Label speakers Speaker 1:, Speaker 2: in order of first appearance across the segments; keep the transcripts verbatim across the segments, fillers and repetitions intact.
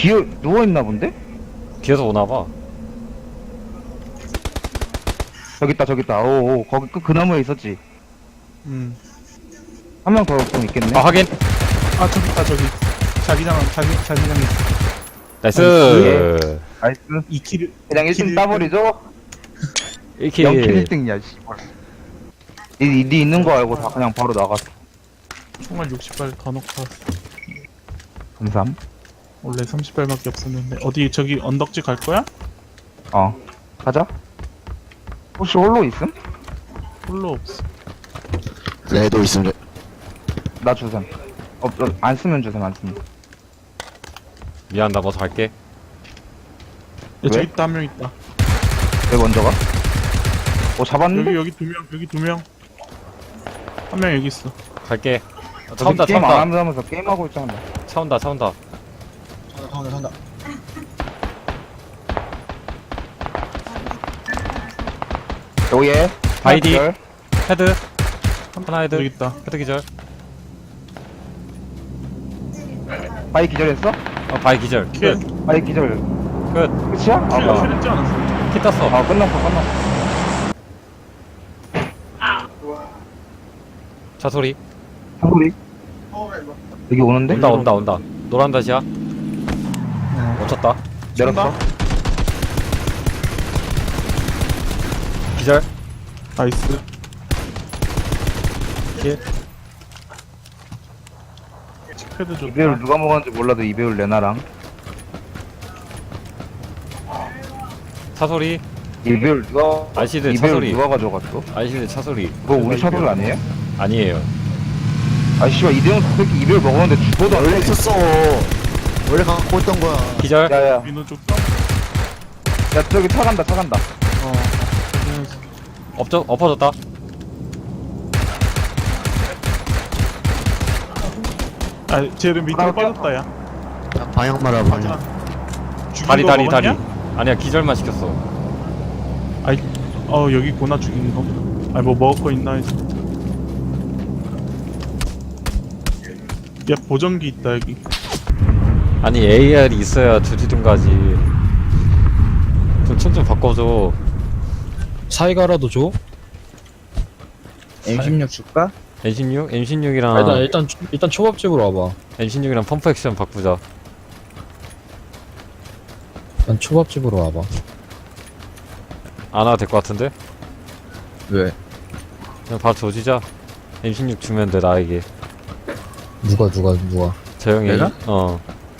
Speaker 1: 기어 누워있나 본데?
Speaker 2: 뒤에서 오나봐.
Speaker 1: 저기 있다 저기 있다. 오오 거기 그, 그 나무에 있었지.
Speaker 3: 음.
Speaker 1: 한 명 더 좀 있겠네.
Speaker 2: 아 확인.
Speaker 3: 아 저기 있다 저기. 자기장 자기 자기장에
Speaker 2: 나이스.
Speaker 1: 나이스.
Speaker 3: 이 킬을
Speaker 1: 그냥 일 등 따버리죠?
Speaker 2: 일 킬.
Speaker 1: 영 킬 일 등이야 씨발. 니, 니 있는 거 알고 다 그냥 바로 나갔어.
Speaker 3: 총알 육십 발 더 넣고 왔어.
Speaker 1: 감사함.
Speaker 3: 원래 삼십 발밖에 없었는데 어디 저기 언덕지 갈 거야?
Speaker 1: 어 가자. 혹시 홀로 있음?
Speaker 3: 홀로 없어.
Speaker 4: 레도 있으면
Speaker 1: 나 주셈. 어, 어, 안 쓰면 주셈 안 쓰면.
Speaker 2: 미안 나 먼저 갈게.
Speaker 3: 야,
Speaker 1: 왜?
Speaker 3: 저기 있다 한 명 있다.
Speaker 1: 왜 먼저 가? 어 잡았는데?
Speaker 3: 여기 여기 두 명 여기 두 명. 한 명 여기 있어.
Speaker 2: 갈게. 차
Speaker 1: 저기
Speaker 2: 온다 차
Speaker 1: 게임 안
Speaker 2: 온다.
Speaker 1: 하면서 게임하고 있잖아.
Speaker 2: 차 온다 차 온다.
Speaker 4: 산다 산다
Speaker 1: 오예.
Speaker 2: 바이디.
Speaker 1: 하나,
Speaker 2: 헤드. 하나 헤드.
Speaker 3: 여기 있다.
Speaker 2: 헤드 기절.
Speaker 1: 둘. 바이 기절했어?
Speaker 2: 어 바이 기절.
Speaker 3: 킬.
Speaker 2: 끝.
Speaker 1: 바이 기절.
Speaker 2: 끝.
Speaker 1: 끝이야? 아,
Speaker 3: 킬
Speaker 1: 뭐.
Speaker 3: 킬했지 않았어?
Speaker 2: 키 땄어.
Speaker 1: 아 끝났어 끝났어.
Speaker 2: 차 소리.
Speaker 1: 한소리. 여기 오는데?
Speaker 2: 온다 온다 온다. 노란 다시야.
Speaker 3: 어.
Speaker 2: 멈췄다.
Speaker 1: 내렸어.
Speaker 2: 기절.
Speaker 3: 나이스.
Speaker 2: 킬.
Speaker 3: 패드 좋다.
Speaker 1: 이배율 누가 먹었는지 몰라도 이배율 레나랑.
Speaker 2: 차 소리.
Speaker 1: 이배율 누가
Speaker 2: 아시드 차
Speaker 1: 이배율
Speaker 2: 소리.
Speaker 1: 누가 가져갔어?
Speaker 2: 아이시드 차 소리.
Speaker 1: 그거 우리 차소리 아니에요?
Speaker 2: 아니에요.
Speaker 1: 아 씨발 이대형 새끼 이배율 먹었는데 죽어도 안
Speaker 4: 원래
Speaker 1: 돼.
Speaker 4: 있었어. 원래 갖고 있던 거야.
Speaker 2: 기절.
Speaker 1: 야야
Speaker 3: 민호 쪽다.
Speaker 1: 야 저기 차 간다 차 간다.
Speaker 3: 어.
Speaker 2: 엎져 엎어졌다.
Speaker 3: 아 쟤는 밑으로
Speaker 1: 나갈게요.
Speaker 3: 빠졌다 야.
Speaker 4: 야, 방향 말아 방향.
Speaker 3: 죽인
Speaker 2: 다리
Speaker 3: 거
Speaker 2: 다리
Speaker 3: 먹었냐?
Speaker 2: 다리. 아니야 기절만 시켰어.
Speaker 3: 아이 어 여기 있구나 죽인 거. 아니 뭐 먹을 거 있나 해서. 야 보정기 있다 여기.
Speaker 2: 아니 에이알이 있어야 두디둥 가지. 좀 총 좀 바꿔줘.
Speaker 5: 사이가라도 줘?
Speaker 6: 엠 십육 줄까?
Speaker 2: 엠 십육? 엠
Speaker 5: 아,
Speaker 2: 십육이랑
Speaker 5: 일단 일단 일단 초밥집으로 와봐.
Speaker 2: 엠 십육이랑 펌프 액션 바꾸자.
Speaker 5: 일단 초밥집으로 와봐.
Speaker 2: 안 와도 될 것 같은데?
Speaker 6: 왜?
Speaker 2: 그냥 바로 조지자. 엠 십육 주면 돼 나에게.
Speaker 5: 누가 누가 누가?
Speaker 2: 저 형이.
Speaker 6: 내가?
Speaker 2: 어.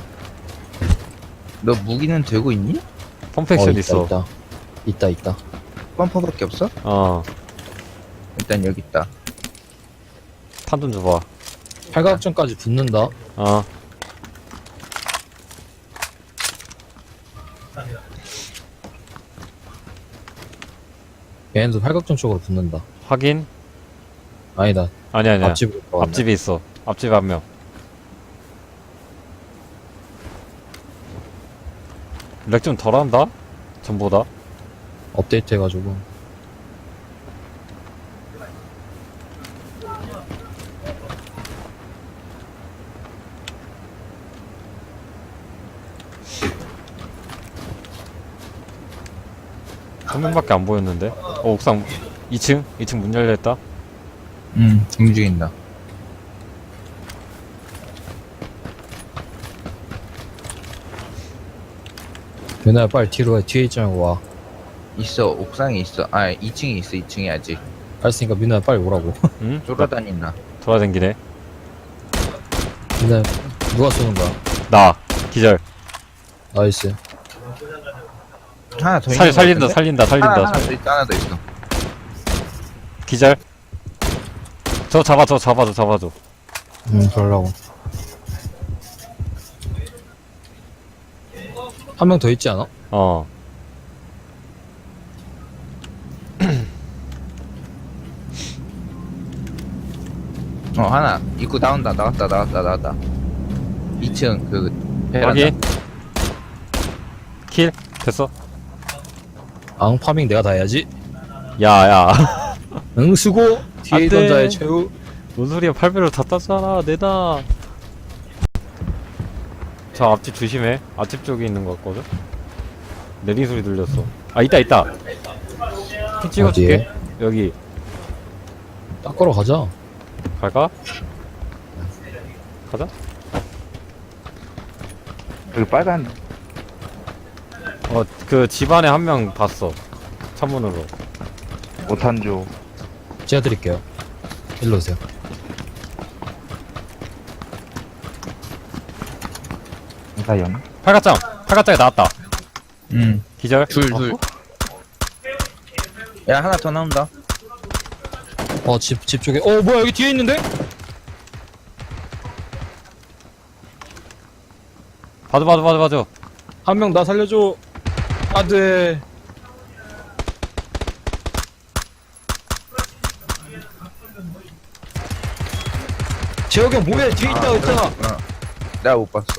Speaker 6: 너 무기는 되고 있니?
Speaker 2: 펌프 액션
Speaker 5: 어,
Speaker 2: 있어.
Speaker 5: 있다 있다 있다.
Speaker 6: 펌퍼밖에 없어?
Speaker 2: 어.
Speaker 6: 일단 여기 있다.
Speaker 2: 탄 좀 줘봐.
Speaker 5: 팔각정까지 붙는다.
Speaker 2: 어.
Speaker 5: 얘네도 팔각정 쪽으로 붙는다.
Speaker 2: 확인.
Speaker 5: 아니다.
Speaker 2: 아니 아니야.
Speaker 5: 앞집으로 들어간다.
Speaker 2: 앞집에 있어. 앞집에 한 명. 렉 좀 덜한다? 전보다.
Speaker 5: 업데이트 해가지고.
Speaker 2: 한 명밖에 안 보였는데. 어 옥상 이 층? 이 층 문 열려있다.
Speaker 6: 응, 움직인다.
Speaker 5: 윤아야 빨리 뒤로 해. 뒤에 있지 말고 와.
Speaker 6: 있어, 옥상에 있어. 아, 이 층에 있어, 이 층에 아직.
Speaker 5: 알았으니까 민아야 빨리 오라고.
Speaker 2: 응?
Speaker 6: 쫄아다닌다.
Speaker 2: 돌아다니네.
Speaker 5: 민아야 누가 쏘는 거야?
Speaker 2: 나 기절.
Speaker 5: 나이스.
Speaker 6: 하나 더
Speaker 2: 살
Speaker 6: 있는 거
Speaker 2: 살린다
Speaker 6: 같은데?
Speaker 2: 살린다
Speaker 6: 하나,
Speaker 2: 살린다.
Speaker 6: 하나 더 있어, 하나 더 있어.
Speaker 2: 기절. 저 잡아 저 잡아 저 잡아 줘.
Speaker 5: 응 그러려고. 한 명 더 있지 않아?
Speaker 2: 어.
Speaker 6: 어, 하나. 입구 나온다, 나왔다, 나왔다, 나왔다. 이 층, 그, 베란다.
Speaker 2: 확인. 킬 됐어.
Speaker 5: 앙 파밍 내가 다 해야지.
Speaker 2: 야야.
Speaker 5: 응 수고. 뒤에
Speaker 2: 안
Speaker 5: 있던
Speaker 2: 돼.
Speaker 5: 자의 최후.
Speaker 2: 뭔 소리야? 팔 배로 다 땄잖아. 내다. 저 앞집 조심해. 앞집 쪽에 있는 거 같거든. 내린 소리 들렸어. 아 있다 있다. 피 찍어줄게. 여기
Speaker 5: 닦으러 가자.
Speaker 2: 갈까? 가자.
Speaker 1: 여기 빨간
Speaker 2: 어 그 집안에 한 명 봤어. 창문으로.
Speaker 1: 오탄조.
Speaker 5: 제가 드릴게요. 일로 오세요.
Speaker 1: 이사연.
Speaker 2: 팔각장. 팔각장에 나왔다.
Speaker 3: 음.
Speaker 2: 기절.
Speaker 6: 둘 둘. 야 하나 더 나온다.
Speaker 5: 어, 집, 집 쪽에. 어, 뭐야, 여기 뒤에 있는데?
Speaker 2: 봐줘 봐줘 봐줘 봐줘.
Speaker 5: 한 명 나 살려줘. 안 돼. 재혁이 형 뭐해? 뒤에 있다고 했잖아.
Speaker 6: 어. 내가 못 봤어.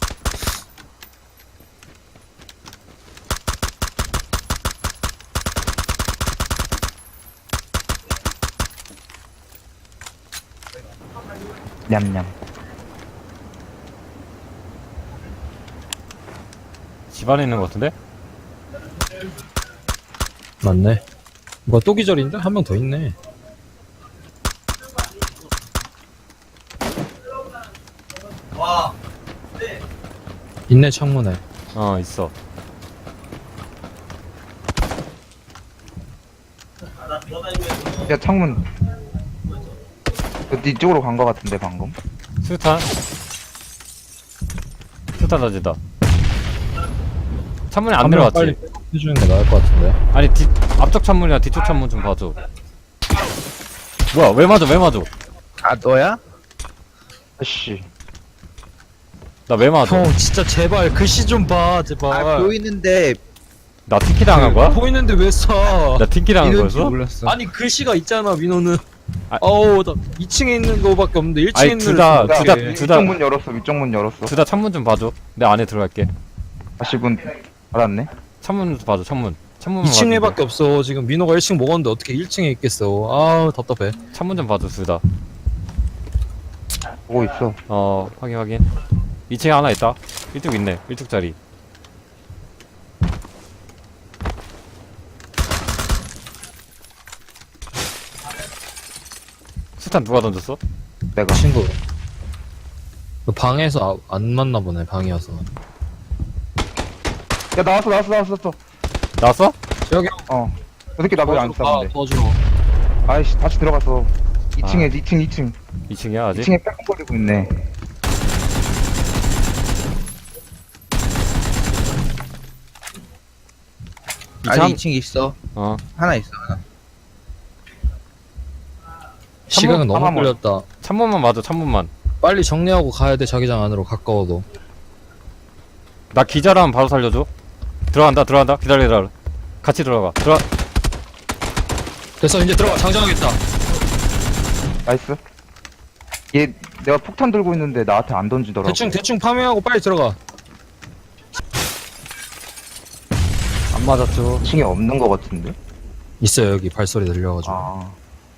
Speaker 1: 냠냠.
Speaker 2: 집안에 있는 거 같은데?
Speaker 5: 맞네. 뭐야, 또 기절인데? 한 명 더 있네. 있네, 창문에.
Speaker 2: 어 있어.
Speaker 1: 야 창문. 그 뒤쪽으로 간 거 같은데 방금.
Speaker 2: 수탄. 수탄 던진다. 창문에 안
Speaker 5: 한 명
Speaker 2: 들어갔지?
Speaker 5: 빨리 해주는 게 나을 것 같은데.
Speaker 2: 아니 뒤 앞쪽 창문이랑 뒤쪽 창문 좀 봐줘. 뭐야 왜 맞아 왜 맞아?
Speaker 6: 아 너야?
Speaker 1: 아씨.
Speaker 2: 나 왜 맞아?
Speaker 5: 형, 진짜 제발 글씨 좀 봐, 제발.
Speaker 6: 아 보이는데
Speaker 2: 나 티키 당한 거야?
Speaker 5: 보이는데 왜 써?
Speaker 2: 나 티키 당한
Speaker 6: 이런지
Speaker 2: 거였어?
Speaker 6: 몰랐어.
Speaker 5: 아니 글씨가 있잖아, 민호는.
Speaker 2: 아-
Speaker 5: 어우, 나 이 층에 있는 거밖에 없는데 일 층에
Speaker 2: 아니,
Speaker 5: 있는
Speaker 2: 둘 다-
Speaker 5: 걸
Speaker 2: 둘 다-
Speaker 5: 어떡해.
Speaker 2: 둘 다-
Speaker 1: 위쪽 문 열었어. 위쪽 문 열었어.
Speaker 2: 둘 다 창문 좀 봐줘. 내 안에 들어갈게.
Speaker 1: 아씨 문 알았네.
Speaker 2: 창문 좀 봐줘 창문. 창문만
Speaker 5: 이 층에밖에
Speaker 2: 봐주는데.
Speaker 5: 없어. 지금 민호가 일 층 먹었는데 어떻게 일 층에 있겠어. 아우, 답답해.
Speaker 2: 창문 좀 봐줘 둘 다.
Speaker 1: 보고 있어.
Speaker 2: 어 확인 확인. 이 층에 하나 있다. 일뚝 있네. 일뚝짜리. 수탄 누가 던졌어?
Speaker 1: 내가.
Speaker 5: 친구. 그 방에서 아, 안 맞나 보네, 방이어서.
Speaker 1: 야 나왔어 나왔어 나왔어. 나왔어.
Speaker 2: 나왔어?
Speaker 5: 여기
Speaker 1: 어. 저 새끼 나보다 안
Speaker 5: 아,
Speaker 1: 싸는데.
Speaker 5: 도와줘.
Speaker 1: 아이씨 다시 들어갔어. 이 층에
Speaker 2: 아.
Speaker 1: 이 층 이 층.
Speaker 2: 이 층이야 아직?
Speaker 1: 이 층에 빼꼼거리고 있네.
Speaker 6: 아니
Speaker 2: 참-
Speaker 6: 이 층 있어.
Speaker 2: 어
Speaker 6: 하나 있어 하나.
Speaker 5: 시간은 너무
Speaker 1: 하나만.
Speaker 5: 걸렸다.
Speaker 2: 창문만 봐줘 창문만.
Speaker 5: 빨리 정리하고 가야 돼, 자기장 안으로 가까워도.
Speaker 2: 나 기절하면 바로 살려줘. 들어간다 들어간다 기다려 기다려. 같이 들어가. 들어.
Speaker 5: 됐어, 이제 들어가. 장전하겠다.
Speaker 1: 나이스. 얘 내가 폭탄 들고 있는데 나한테 안 던지더라고.
Speaker 5: 대충 대충 파밍하고 빨리 들어가.
Speaker 2: 안 맞았죠.
Speaker 1: 이 층에 없는 거 같은데.
Speaker 5: 있어요, 여기 발소리 들려가지고.
Speaker 1: 아.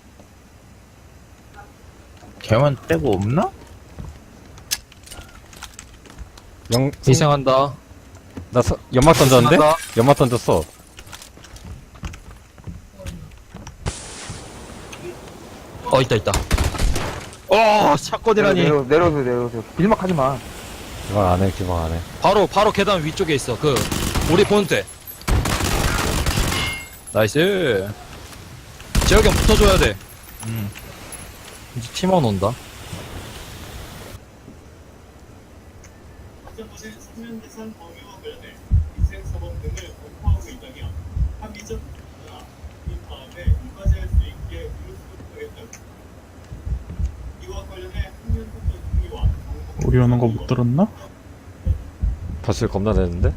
Speaker 6: 걔만 빼고 없나?
Speaker 2: 영
Speaker 5: 희생한다.
Speaker 2: 나 서, 연막 던졌는데?
Speaker 5: 희생한다.
Speaker 2: 연막 던졌어.
Speaker 5: 어, 있다 있다. 어, 샷건이라니.
Speaker 1: 내려 내려오세요 내려오세요. 길막 하지 마.
Speaker 2: 기방 안 해, 기방 안 해.
Speaker 5: 바로 바로 계단 위쪽에 있어. 그 우리 본대. 나이스. 재혁이 형 붙어줘야 돼. 음. 이제 팀원 온다.
Speaker 3: 우리 오는 거 못 들었나?
Speaker 2: 발소리 겁나 되는데?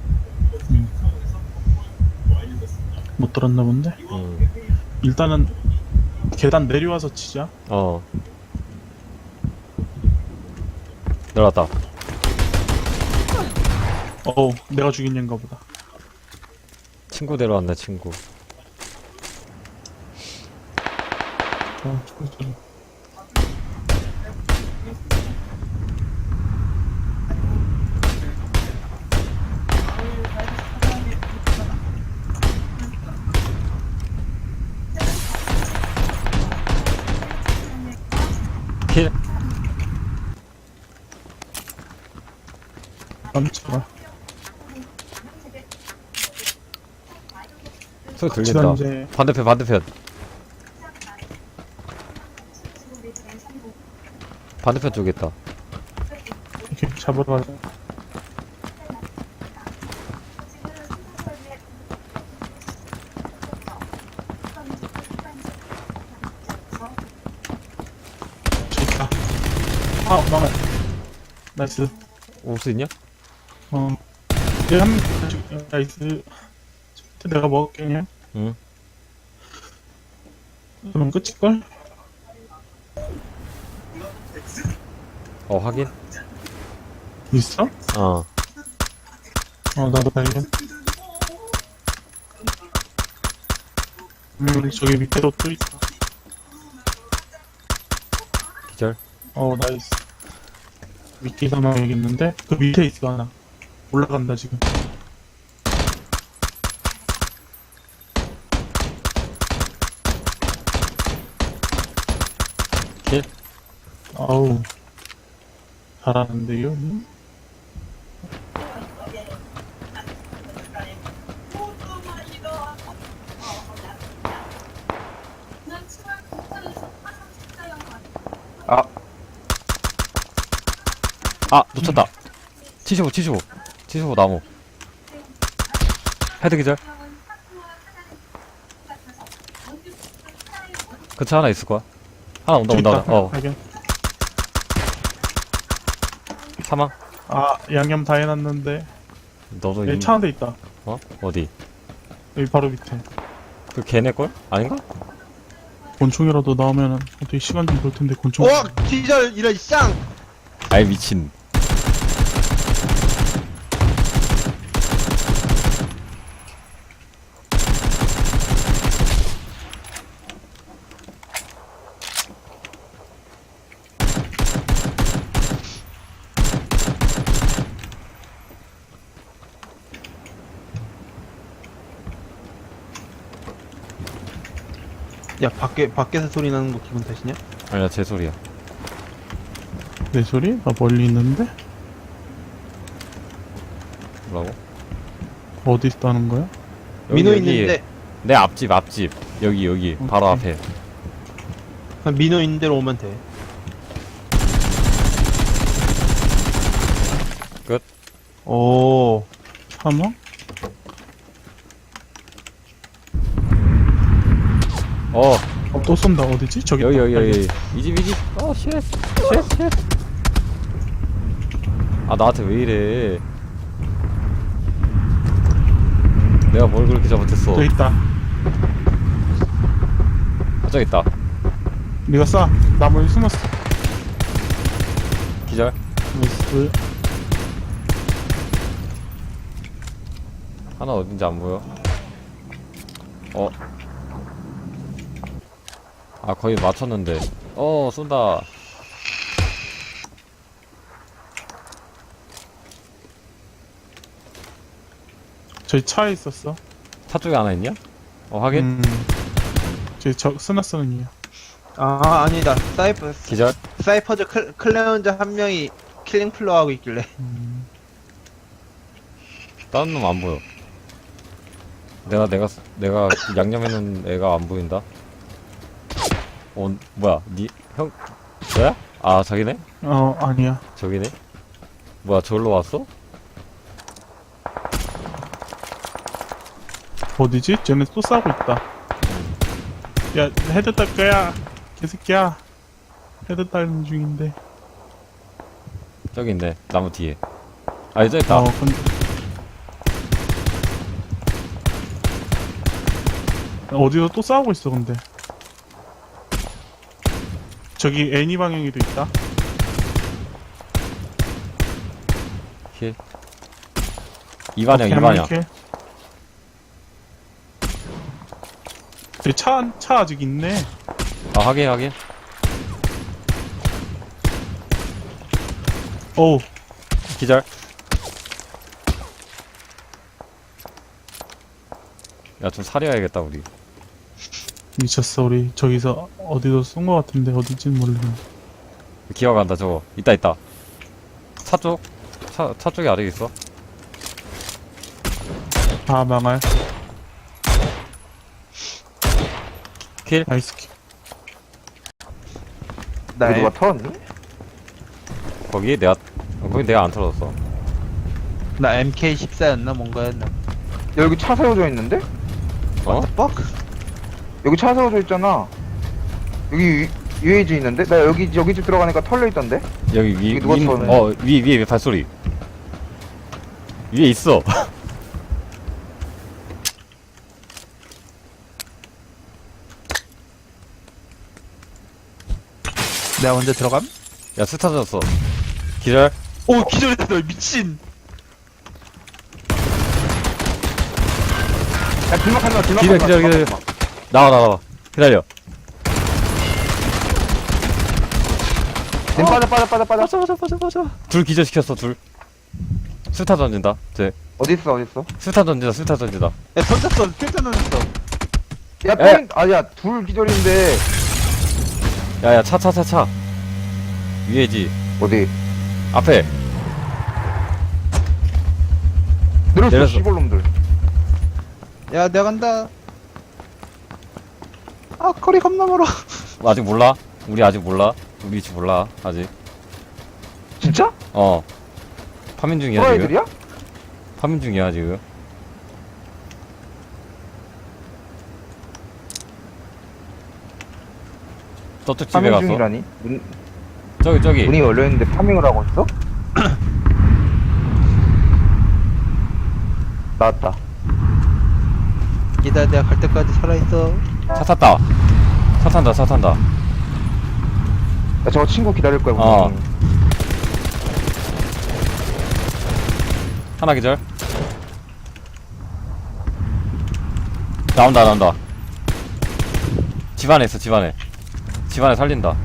Speaker 3: 못 들었나 본데?
Speaker 2: 응.
Speaker 3: 일단은 계단 내려와서 치자.
Speaker 2: 어. 내려왔다.
Speaker 3: 어우, 내가 죽인 얘인가 보다.
Speaker 2: 친구 데려왔네, 친구.
Speaker 3: 어, 저- 저- 깜짝아.
Speaker 2: 소리
Speaker 3: 같이
Speaker 2: 들린다.
Speaker 3: 다니제.
Speaker 2: 반대편 반대편. 반대편 쪽에 있다.
Speaker 3: 이렇게 잡으러 가자. 저기 있다. 아, 망해. 나이스.
Speaker 2: 올 수 있냐?
Speaker 3: 어. 이제 한, 나이스. 저한테 내가 먹을게, 그냥.
Speaker 2: 응.
Speaker 3: 그럼 끝일걸?
Speaker 2: 어 확인.
Speaker 3: 있어?
Speaker 2: 어.
Speaker 3: 어, 나도 발견. 음, 저기 밑에도 또 있다.
Speaker 2: 기절.
Speaker 3: 어, 나이스. 밑에 사망 여기 있는데? 그 밑에 있어, 하나. 올라간다, 지금.
Speaker 2: 킬.
Speaker 3: 아우. 잘하는데요? 음?
Speaker 1: 아,
Speaker 2: 아 놓쳤다. 칠십오 칠십오 칠십오 나무. 헤드 기절. 그 차 하나 있을 거야. 하나 온다
Speaker 3: 저기
Speaker 2: 온다.
Speaker 3: 있다.
Speaker 2: 온다. 어
Speaker 3: 발견.
Speaker 2: 사망.
Speaker 3: 아, 양념 다 해놨는데.
Speaker 2: 너도
Speaker 3: 여기
Speaker 2: 이-
Speaker 3: 차 한 대 있다.
Speaker 2: 어 어디?
Speaker 3: 여기 바로 밑에.
Speaker 2: 그 걔네 걸? 아닌가?
Speaker 3: 곤충이라도 나오면은 어떻게 시간 좀 볼 텐데, 곤충.
Speaker 5: 와 기절 이런 쌍.
Speaker 2: 아이 미친.
Speaker 5: 야 밖에 밖에서 소리 나는 거 기분 탓이냐?
Speaker 2: 아니야 제 소리야.
Speaker 3: 내 소리? 나 멀리 있는데?
Speaker 2: 뭐라고?
Speaker 3: 어디 있다는 거야?
Speaker 2: 여기,
Speaker 5: 민호
Speaker 2: 여기.
Speaker 5: 있는데
Speaker 2: 내 앞집 앞집 여기 여기 바로
Speaker 3: 오케이.
Speaker 2: 앞에.
Speaker 5: 그냥 민호 있는 대로 오면 돼.
Speaker 2: 끝.
Speaker 5: 오.
Speaker 3: 사망?
Speaker 2: 어
Speaker 3: 어, 또 쏜다. 어디지? 저기
Speaker 2: 여기
Speaker 3: 있다.
Speaker 2: 여기 여기 이집 이집. 어쉣쉣쉣. 아 나한테 왜 이래? 내가 뭘 그렇게 잘못했어?
Speaker 3: 저기 있다.
Speaker 2: 아, 저기 있다.
Speaker 3: 네가 쏴. 나무에 숨었어.
Speaker 2: 기절.
Speaker 3: 나이스.
Speaker 2: 하나 어딘지 안 보여. 어. 아 거의 맞췄는데. 어 쏜다.
Speaker 3: 저기 차에 있었어.
Speaker 2: 차 쪽에 하나 있냐? 어 확인.
Speaker 3: 음. 저기 저 스나스는 이야.
Speaker 5: 아 아니다. 사이퍼
Speaker 2: 기절.
Speaker 5: 사이퍼즈 클, 클레온즈 한 명이 킬링 플로 하고 있길래.
Speaker 3: 음.
Speaker 2: 다른 놈 안 보여. 내가 내가 내가 양념해놓은 애가 안 보인다. 어 뭐야? 니 형 너야? 아 저기네?
Speaker 3: 어, 아니야.
Speaker 2: 저기네? 뭐야 저기로 왔어?
Speaker 3: 어디지? 쟤네 또 싸우고 있다. 야, 헤드 딸 거야. 개새끼야. 헤드 딸는 중인데.
Speaker 2: 저기 있네 나무 뒤에. 아 저기 있다.
Speaker 3: 어, 근데. 어디서 또 싸우고 있어, 근데. 저기 애니 방향에도 있다.
Speaker 2: 힐. 이반영
Speaker 3: 오케이,
Speaker 2: 이반영.
Speaker 3: 이렇게. 저기 차, 차 아직 있네.
Speaker 2: 아 확인 확인.
Speaker 3: 어우,
Speaker 2: 기절. 야 좀 사려야겠다 우리.
Speaker 3: 미쳤어, 우리. 저기서 어디서 쏜 거 같은데, 어디지는 모르겠네.
Speaker 2: 기어간다 저거. 있다 있다. 차 쪽. 차, 차 쪽에 아직 있어.
Speaker 3: 아, 망할.
Speaker 2: 킬?
Speaker 3: 나이스 킬.
Speaker 1: 나 누가 털었니?
Speaker 2: 거기 내가, 어, 거기 내가 안 털었어.
Speaker 6: 나 엠케이 십사였나 뭔가였나.
Speaker 1: 야, 여기 차 세워져 있는데?
Speaker 2: 어?
Speaker 1: 여기 차 세워져 있잖아. 여기 유에이지 있는데? 나 여기 여기 집 들어가니까 털려 있던데?
Speaker 2: 여기 위,
Speaker 1: 여기 누가
Speaker 2: 위,
Speaker 1: 털었네.
Speaker 2: 어, 위, 위에, 위에 발소리. 위에 있어.
Speaker 6: 내가 먼저 들어감?
Speaker 2: 야, 스타 졌어. 기절?
Speaker 6: 오 기절했어 미친.
Speaker 1: 야, 길막하지 마, 길막하지
Speaker 2: 기절,
Speaker 1: 마.
Speaker 2: 기절, 기절. 나와, 나와, 나와. 기다려.
Speaker 1: 님 빠져, 빠져, 빠져, 빠져.
Speaker 2: 맞아, 맞아, 맞아, 맞아. 둘 기절시켰어, 둘. 스타 던진다. 쟤.
Speaker 1: 어딨어, 어딨어?
Speaker 2: 스타 던진다, 스타 던진다.
Speaker 6: 야 던졌어 필터 던졌어.
Speaker 1: 야,
Speaker 2: 에.
Speaker 1: 포인, 아니야, 둘 기절인데.
Speaker 2: 야, 야, 차, 차, 차, 차. 위에지.
Speaker 1: 어디?
Speaker 2: 앞에.
Speaker 1: 내렸어,
Speaker 2: 내렸어.
Speaker 1: 시골놈들.
Speaker 6: 야 내가 간다. 아 거리 겁나 멀어.
Speaker 2: 아직 몰라? 우리 아직 몰라? 우리 위치 몰라, 아직.
Speaker 1: 진짜?
Speaker 2: 어. 파밍 중이야, 지금.
Speaker 1: 호라이들이야?
Speaker 2: 파밍 중이야, 지금. 저쪽 집에
Speaker 1: 파밍
Speaker 2: 갔어.
Speaker 1: 중이라니? 문,
Speaker 2: 저기, 저기.
Speaker 1: 문이 열려있는데 파밍을 하고 있어? 나왔다.
Speaker 6: 기다려 내가 갈 때까지 살아있어.
Speaker 2: 차 탔다. 차 탄다, 차 탄다.
Speaker 1: 야, 저거 친구 기다릴 거야,
Speaker 2: 어.
Speaker 1: 분명히.
Speaker 2: 하나 기절. 나온다, 나온다. 집 안에 있어, 집 안에. 집 안에 살린다.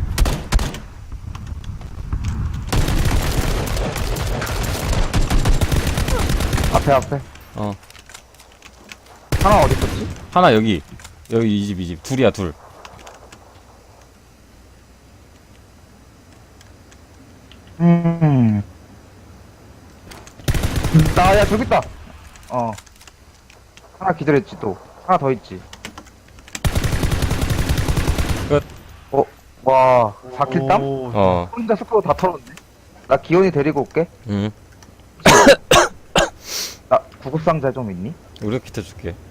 Speaker 1: 앞에, 앞에.
Speaker 2: 어.
Speaker 1: 하나 어디 있었지?
Speaker 2: 하나 여기. 여기 이 집, 이 집. 둘이야, 둘.
Speaker 1: 음. 나, 야, 저기 있다. 어. 하나 기다렸지, 또. 하나 더 있지.
Speaker 2: 끝.
Speaker 1: 어, 와, 사 킬 땀?
Speaker 6: 오,
Speaker 2: 어.
Speaker 1: 혼자 스코어 다 털었네. 나 기온이 데리고 올게.
Speaker 2: 응.
Speaker 1: 나 구급상자 좀 있니?
Speaker 2: 의료 키트 줄게.